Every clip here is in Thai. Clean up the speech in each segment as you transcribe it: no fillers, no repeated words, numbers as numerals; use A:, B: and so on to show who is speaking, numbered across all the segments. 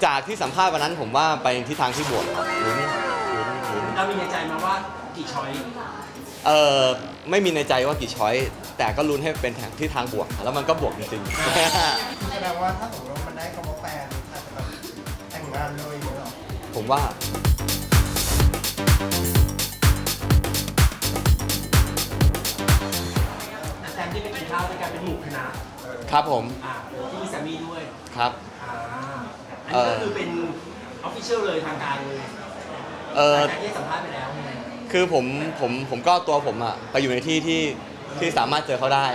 A: จากที่สัมภาษณ์วันนั้นผมว่าไปทิศทางที่บวกครับลุ้น
B: เรามีในใจมาว่ากี่ช้อย
A: ไม่มีในใจว่ากี่ช้อยแต่ก็ลุ้นให้เป็นที่ทางบวกแล้วมันก็บวกจริง
C: แสดงว่าถ้าสมมติว่ามันได้คำว่าแฟนอาจจะแบบแต่งงานเลยอย่างเงี้ยหรอ
A: ๆผมว่า
B: แซมที่ไปกินข้าวด้วยกันเป็นหมู่คณะ
A: ครับผม
B: ที่มีแซมมี่ด้วย
A: ครับ
B: อันนี้ก็คือเป็นออฟฟิเชียลเลยทางการเลยการที่สัมภาษณ์ไปแล้ว
A: คือผมก็ตัวผมอะไปอยู่ในที่สามารถเจอเขาได้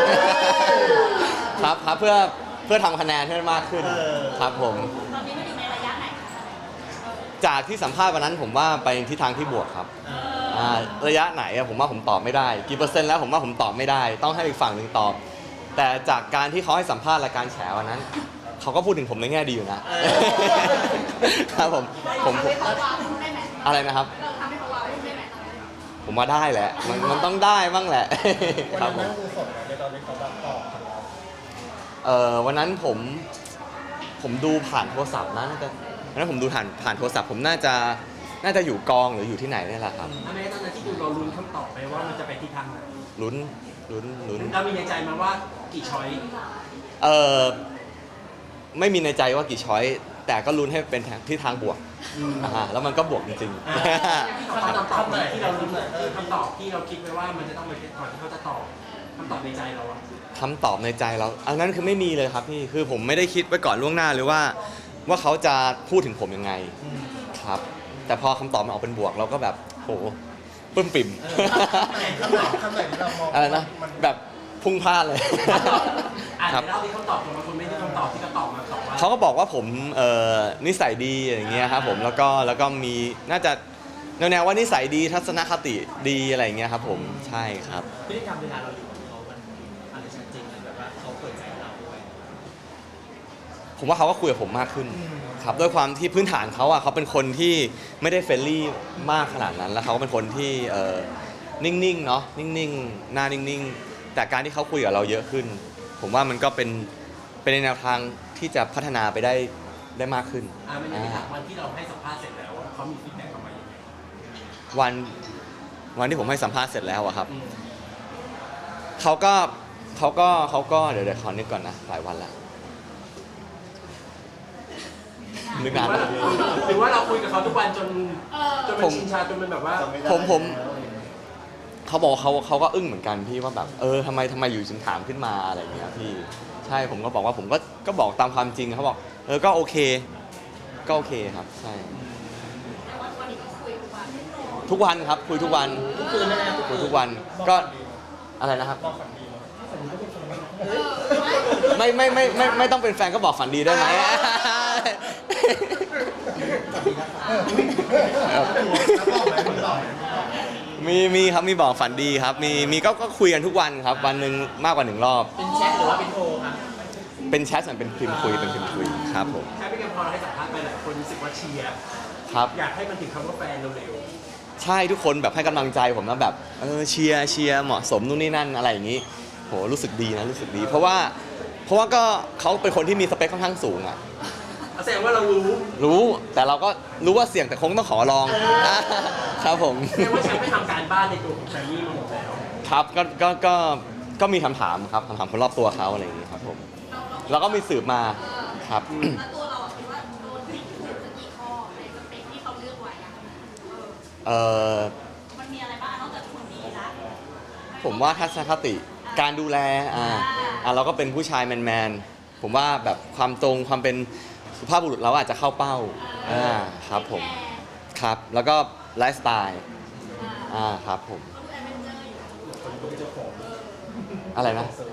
A: ครับเพื่อทำคะแนนให้มากขึ้นครับผม
D: ตอนนี้มันอยู่ในระยะไหน
A: จากที่สัมภาษณ์วันนั้นผมว่าไปทิศทางที่บวกครับระยะไหนผมว่าผมตอบไม่ได้กี่เปอร์เซ็นต์แล้วผมว่าผมตอบไม่ได้ต้องให้อีกฝั่งหนึ่งตอบแต่จากการที่เขาให้สัมภาษณ์รายการแฉวันนั้นเขาก็พูดถึงผมในแง่ดีอยู่นะครับผมอะไรนะครับผมว่าได้แหละมันต้องได้บ้างแหละครับผมวันนั้นผมดูผ่านโทรศัพท์นะวันนั้นผมดูผ่านโทรศัพท์ผมน่าจะอยู่กองหรืออยู่ที่ไหนนี่แหละครับ
B: ทำไมตอนนั้นที่ดูเราลุ้นคำตอบไปว่ามันจะไปทิศทางไหน
A: ลุ้น
B: เรามีในใจมาว่ากี่ช้อย
A: ไม่มีในใจว่ากี่ช้อยแต่ก็ลุ้นให้เป็นที่ทางบวกแล้วมันก็บวกจริง
B: ๆคำตอบที่เราลุ้นคำตอบที่เราคิดไว้ว่ามันจะต้องไปก่อนที่เขาจะตอบคำตอบในใจเรา
A: คำตอบในใจเราอันนั้นคือไม่มีเลยครับพี่คือผมไม่ได้คิดไว้ก่อนล่วงหน้าเลยว่าเขาจะพูดถึงผมยังไงครับแต่พอคำตอบมันออกเป็นบวกเราก็แบบโหปึ้มปิ่มอะไรนะแบบพุ่งพลาดเลย
B: ครับแล้วที่เขาตอบมาคุณไม่ได้คำตอบที่เขาตอบมาตอบว่า
A: เขาก็บอกว่าผมนิสัยดีอย่างเงี้ยครับผมแล้วก็มีน่าจะแนวว่านิสัยดีทัศนคติดีอะไรอย่างเงี้ยครับผมใช่ครับ
B: พฤติกรรมเวลาเราอยู่กับเขามันอะไรชัดเจนแบบว่าเขาเปิดใจเราด้วย
A: ผมว่าเขาก็คุยกับผมมากขึ้นครับด้วยความที่พื้นฐานเขาเขาเป็นคนที่ไม่ได้เฟรนลี่มากขนาดนั้นแล้วเขาก็เป็นคนที่นิ่งๆเนาะนิ่งๆหน้านิ่งๆแต่การที่เขาคุยกับเราเยอะขึ้นผมว่ามันก็เป็นในแนวทางที่จะพัฒนาไปได้มากขึ้น
B: มันจะมีวันที่เราให้สัมภาษณ์เสร็จแล้วเขามีฟีดแบ็กกลับมาอย่างไร
A: วันที่ผมให้สัมภาษณ์เสร็จแล้วครับเขาก็เดี๋ยวขอนึกก่อนนะหลายวันแล้วนึกนาน
B: หรือว่าเราคุยกับเขาทุกวันจนเป็นชินชาจนเป็นแบบว่า
A: ผมเขาบอกเขาก็อึ้งเหมือนกันพี่ว่าแบบทำไมอยู่จึงถามขึ้นมาอะไรอย่างเงี้ยพี่ใช่ผมก็บอกว่าผมก็บอกตามความจริงเขาบอกก็โอเคครับใช่ทุกวันครับคุยทุกวันคุยทุกวันก็อะไรนะครับไม่ต้องเป็นแฟนก็บอกฝันดีได้ไหมมีครับมีบอกฝันดีครับมีก็คุยกันทุกวันครับวันหนึ่งมากกว่า1 รอบ
B: เป็นแชทหรือว่าเป็นโทรครับ
A: เป็นแชทเป็นพิมพ์คุยครับผม
B: ใช่ไม่เกินพอเราให้สัมภาษณ์ไปหลายคนรู้สึกว่าเชียร์
A: ครับ
B: อยากให้มันถึงคำว่าแฟนเร็ว
A: ๆใช่ทุกคนแบบให้กำลังใจผมนะแบบเชียร์เหมาะสมนู่นนี่นั่นอะไรอย่างนี้โหรู้สึกดีนะรู้สึกดีเพราะว่าก็เขาเป็นคนที่มีสเปคค่อนข้างสูง
B: แสดงว่าเรา
A: รู้แต่เราก็รู้ว่าเสี่ยงแต่คงต้องขอลองครับผม
B: แสดงว่าฉันไม่ทำการบ้านในตัวของแซมมี่มาหมดแล้ว
A: ครับก็มีคำถามครับคำถามคนรอบตัวเขาอะไรอย่างนี้ครับผมแล้วก็มีสืบมาครับ
D: แล้วตัวเราคิดว่าโดนผิดถูกกี่ข้อในสเปคที่เขาเลือกไว้มันมีอะไรบ้างนอกจากคนดีละ
A: ผมว่าทัศนคติการดูแลเราก็เป็นผู้ชายแมนผมว่าแบบความตรงความเป็นสุภาพบุรุษเราอาจจะเข้าเป้าครับผมครับแล้วก็ไลฟ์สไตล์ครับผมอะไร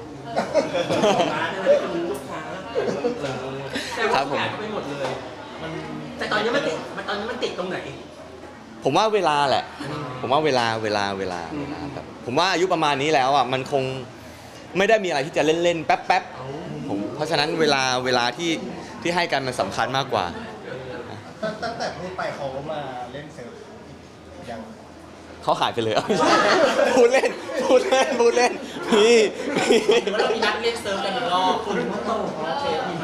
A: นะครับ
B: ผมไปหมดเลยแต่ตอนนี้มันติดตรงไหน
A: ผมว่าเวลาแหละผมว่าเวลาแบบผมว่าอายุประมาณนี้แล้วมันคงไม่ได้มีอะไรที่จะเล่นๆแป๊บผมเพราะฉะนั้นเวลาที่ให้กันมันสำคัญมากกว่า
C: ตั้งแต่พูดไปเขามาเล่นเซิร์ฟยัง
A: เขาหายไปเลยพูดเล่นพี่
B: ว่าเรามีนัดเล่นเซิร์ฟกันอีกรอบคุณก็โตโอเค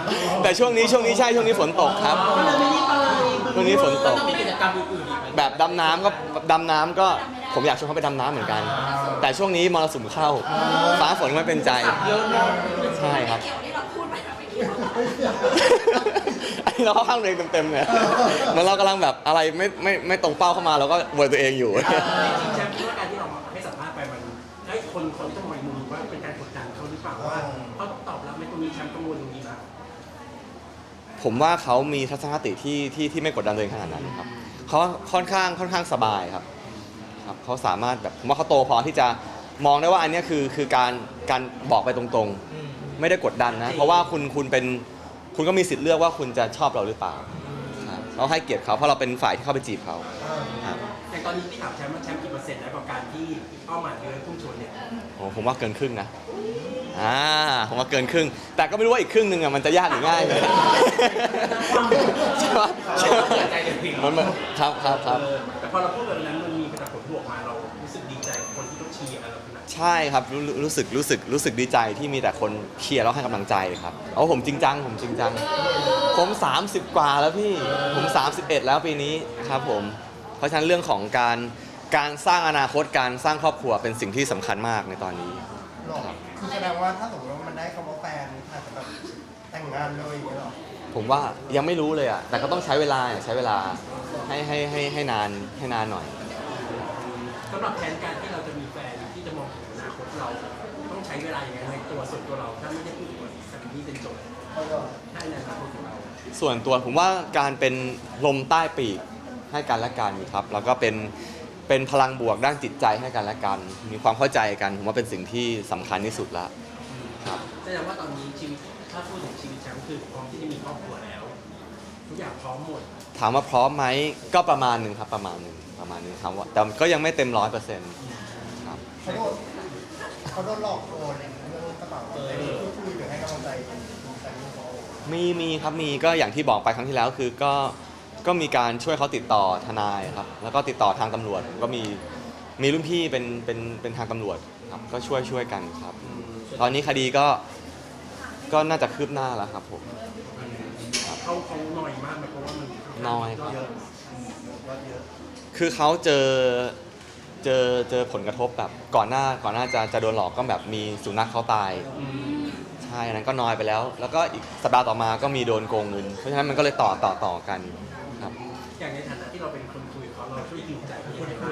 A: แต่ช่วงนี้ใช่ช่วงนี้ฝนตกครับ
B: ก็เลยไม่ได้ไป
A: ช่วงนี้ฝนตก
B: ต้องมีกิจกรรมอื่นๆอีกไหม
A: แบบดำน้ำก็ผมอยากชวนเขาไปดำน้ำเหมือนกัน แต่ช่วงนี้มรสุมเข้า ฟ้าฝนไม่เป็นใจ
B: เยอะเนอะ
A: ใช่ครับ
D: เกี่ยวที่เราพูดไปแบบไม่เกี่ยว
A: อันนี้เราเข้าข้างตัวเองเต็มๆเลยเหมือนเรากำลังแบบอะไรไม่ตรงเป้าเข้ามาเราก็โวยตัวเองอยู่
B: จริงๆแชมป์คิดว่าการที่เราให้สัมภาษณ์ไปมันให้คนต้องมองอีกมุมว่าเป็นการกดดันเขาหรือเปล่าว่าเขาต้องตอบรับในตรงนี้แชมป์กังวลตรงนี้นะ
A: ผมว่าเขามีทัศนคติที่ไม่กดดันตัวเองขนาดนั้นครับเขาค่อนข้างสบายครับเขาสามารถแบบผมว่าเขาโตพอที่จะมองได้ว่าอันเนี้ยคือการบอกไปตรงๆ ไม่ได้กดดันนะ เพราะว่าคุณก็มีสิทธิ์เลือกว่าคุณจะชอบเราหรือเปล่าครับเราให้เกียรติเขาเพราะเราเป็นฝ่ายที่เข้าไปจีบเขาครับ
B: อย่างตอนนี้ที่ถามแชมป์ว่าแชมป์กี่เปอร์เซ็นต์แล้วกับการที่เป้าหมายคือพุ่งชนเนี่ย
A: โอ้ผมว่าเกินครึ่งนะผมว่าเกินครึ่ง แต่ก็ไม่รู้ว่าอีกครึ่งหนึ่งอะมันจะยากหรือง่ายเลยใช่ปะมันครับ
B: แต่พอเราพูดแบบนั้นมันมีแต่ผลบวกมาเรารู้สึกดีใจกับคนที่ต้องเชียร์เราขนาด
A: ใช่ครับรู้สึกดีใจที่มีแต่คนเชียร์แล้วให้กำลังใจครับเอาผมจริงจังผม 30 กว่าแล้วพี่ผม 31 แล้วปีนี้ครับผมเพราะฉะนั้นเรื่องของการสร้างอนาคตการสร้างครอบครัวเป็นสิ่งที่สำคัญมากในตอนนี้
C: หรอคือแสดงว่าถ้าสมมติว่ามันได้คำว่าแฟนอาจจะแบบแต่งงานเลยอย่างเงี้ยหรอ
A: ผมว่ายังไม่รู้เลยอ่ะแต่ก็ต้องใช้เวลาให้นานหน่อย
B: สำหรับแผนการที่เราจะมีแฟนที่จะมองถึงอนาคตเราต้องใช้เวลาอย่างไรในตัวส่วนตัวเราถ้าไม่ได้พูดถึงสิ่งที่เป็นโจทย์ให้ในอนาคตของเรา
A: ส่วนตัวผมว่าการเป็นลมใต้ปีกให้กันและกันครับแล้วก็เป็นพลังบวกด้านจิตใจให้กันและกัน มีความเข้าใจกันผมว่าเป็นสิ่งที่สำคัญที่สุดแล้วครับ
B: แสดงว่าตอนนี้ชีวิตถ้าพูดถึงชีวิตแชมป์คือพร้อมที่จะมีครอบครัวแล้วทุกอย่างพร้อมหมด
A: ถามว่าพร้อมไหมก็ประมาณหนึ่งครับประมาณหนึ่งครับว่าแต่ก็ยังไม่เต็ม100%ครับ
C: เขาโดนหลอกโอนเรื่องกระเป๋าอะไรพูดคุยหรือให้กำลังใจคุณแฟนเขา
A: มีครับมีก็อย่างที่บอกไปครั้งที่แล้วคือก็มีการช่วยเขาติดต่อทนายครับแล้วก็ติดต่อทางตำรวจก็มีรุ่นพี่เป็นทางตำรวจครับก็ช่วยกันครับ ตอนนี้คดีก็น่าจะคืบหน้าแล้วครับผม
B: เขาหน่อยมากไหมเพราะว่ามัน
A: น้อยครับ
B: เยอะ
A: คือเขาเจอผลกระทบแบบก่อนหน้าจะโดนหลอกก็แบบมีสุนัขเขาตายใช่อันนั้นก็น้อยไปแล้ว แล้วก็อีกสัปดาห์ต่อมาก็มีโดนโกงเงินเพราะฉะนั้นมันก็เลยต่อกันครับ
B: อย่างในฐานะที่เราเป็นคนคุยกับเขาเราช่วยยิวใจเขายังไงบ้าง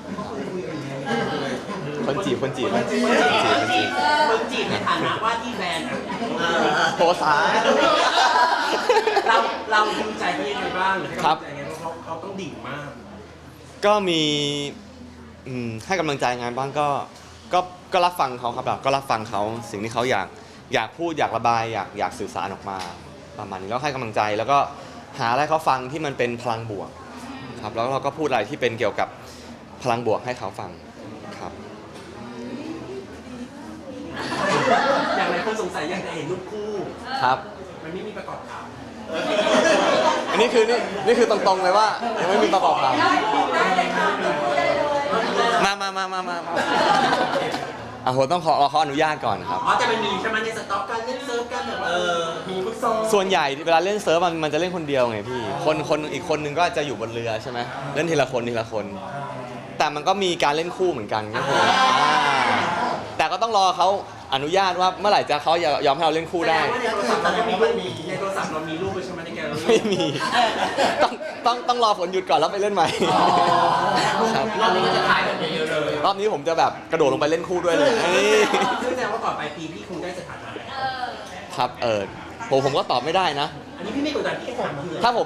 A: คนจีบ
B: คนจีบในฐานะว่าที่แบรนด์อะ
A: โพสา
B: เรายิวใจเขายังไงบ้างหรือให้กำ
A: ครั
B: ลั
A: บ
B: งใจยังไงเพราะเขาต้องดิ่งมาก
A: ก็มีให้กำลังใจงานบ้างก็รับฟังเขาครับแบบก็รับฟังเขาสิ่งที่เขาอยากพูดอยากระบายอยากสื่อสารออกมาประมาณนี้แล้วให้กำลังใจแล้วก็หาอะไรเขาฟังที่มันเป็นพลังบวกครับแล้วเราก็พูดอะไรที่เป็นเกี่ยวกับพลังบวกให้เขาฟังครับ
B: อย่างไรคนสงสัยอยากจะเห็นรูปคู่
A: ครับ
B: มันไม่มีประกอบข่าว
A: อันนี้คือตรงๆเลยว่ายังไม่มีประกอบข่าวมาอ่ะผมต้องขอเขาอนุญาตก่อนครับ
B: อ๋อจะเป็นมีใช่ไหมในสต็อกการเล่นเซิร์ฟกันแบบว่ามีฟุตซอล
A: ส่วนใหญ่เวลาเล่นเซิร์ฟมันจะเล่นคนเดียวไงพี่คนอีกคนนึงก็จะอยู่บนเรือใช่ไหมเล่นทีละคนแต่มันก็มีการเล่นคู่เหมือนกันก็คือแต่ก็ต้องรอเขาอนุญาตว่าเมื่อไหร่จะเขายอมให้เราเล่นคู่ได้
B: แสดงว่าในโทรศัพท์เราในโทรศัพท์เรามีรูปไว้ใช่ไหมในแกลเลอรี่
A: ไม่มีต้องรอฝนหยุดก่อนแล้วไปเล่นใหม่ครับ
B: รอบนี้ก็จะถ่ายแบบเยอะๆเลย
A: รอบนี้ผมจะแบบกระโดดลงไปเล่นคู่ด้วยเลย
B: ซึ่งแสดงว่าก่อนปลายปีพี่คงได้สถานะแล้ว
A: ครับผมก็ตอบไม่ได้นะ
B: อันนี้พี่ไม่กดดันพี่แค่ถามเพื่อ
A: ถ้า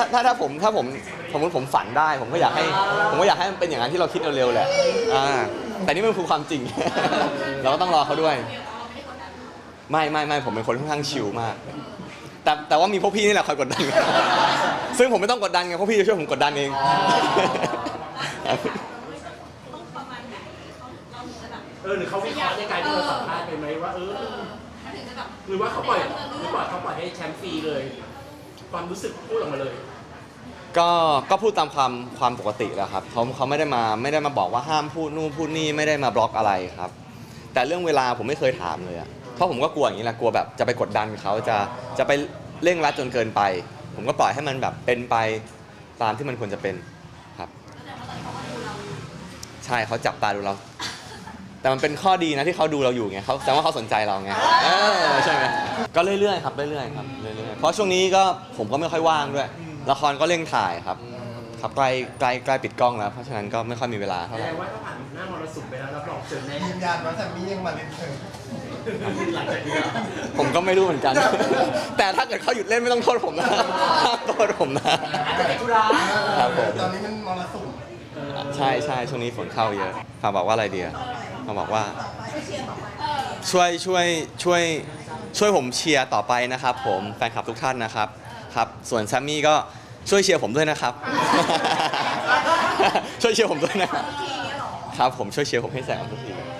A: ผมฝันได้ผมก็อยากให้มันเป็นอย่างนั้นที่เราคิดเร็วๆแหละแต่นี่มันคือความจริง เราก็ต้องรอเขาด้วยไม่ผมเป็นคนค่อนข้างชิลมากแต่ว่ามีพวกพี่นี่แหละคอยกดดัน ซึ่งผมไม่ต้องกดดันไงพวกพี่จะช่วยผมกดดันเอง
D: ต้องประมาณไหนเราถึงจะแบบ
B: หรือเขาวิเคราะห์ในการที่เราสัมภาษณ์ไปไหมว่า
D: มันถึงจะแบบ
B: หรือว่าเขาปล่อยเขาปล่อยให้แชมป์ฟรีเลย ความรู้สึกพูดออกมาเลย
A: ก็พูดตามความปกติแล้วครับเขาไม่ได้มาบอกว่าห้ามพูดนู่นพูดนี่ไม่ได้มาบล็อกอะไรครับ แต่เรื่องเวลาผมไม่เคยถามเลยอะเพราะผมก็กลัวอย่างนี้แหละกลัวแบบจะไปกดดันเขาจะไปเร่งรัดจนเกินไป ผมก็ปล่อยให้มันแบบเป็นไปตามที่มันควรจะเป็นครับ
D: แต่ว่าตอนนี้เขาก็ดูเราอยู่
A: ใช่เขาจับตาดูเรา แต่มันเป็นข้อดีนะที่เขาดูเราอยู่ไงเขาแสดงว่าเขาสนใจเราไงใช่ไหมก็เรื่อยๆครับเรื่อยๆครับเรื่อยๆเพราะช่วงนี้ก็ผมก็ไม่ค่อยว่างด้วย ละครก็เร่งถ่ายครับใกล้ปิดกล้องแล้ว เพราะฉะนั้นก็ไม่ค่อยมีเวลาเท่า
B: แส
A: ไห
B: ด
A: ร่
B: งว่าถ้าผ่านหน้ามรสุมไปแล้วรับรองเจอแน่
C: ยืนยันว่าแซมมี่ยังมาเล่นเธอ
B: หลังจากนี้เหรอ
A: ผมก็ไม่รู้เหมือนกัน แต่ถ้าเกิดเขาหยุดเล่นไม่ต้องโทษผมนะห้ามโทษผมนะ
B: อาจจะเป็นธุระ
A: ครับผม
C: ตอนนี้มันมรสุม
A: ใช่ช่วงนี้ฝนเข้าเยอะฝากบอกว่าอะไรเดียฝากบอกว่า
D: ไม่เชียร์ต่อไป
A: ช่วยผมเชียร์ต่อไปนะครับผมแฟนคลับทุกท่านนะครับครับส่วนแซมมี่ก็ช่วยเชียร์ผมด้วยนะครับ ช่วยเชียร์ผมด้วยนะครับ
D: ทีนี้หรอ
A: ครับผมช่วยเชียร์ผมให้แซงทุกทีเลย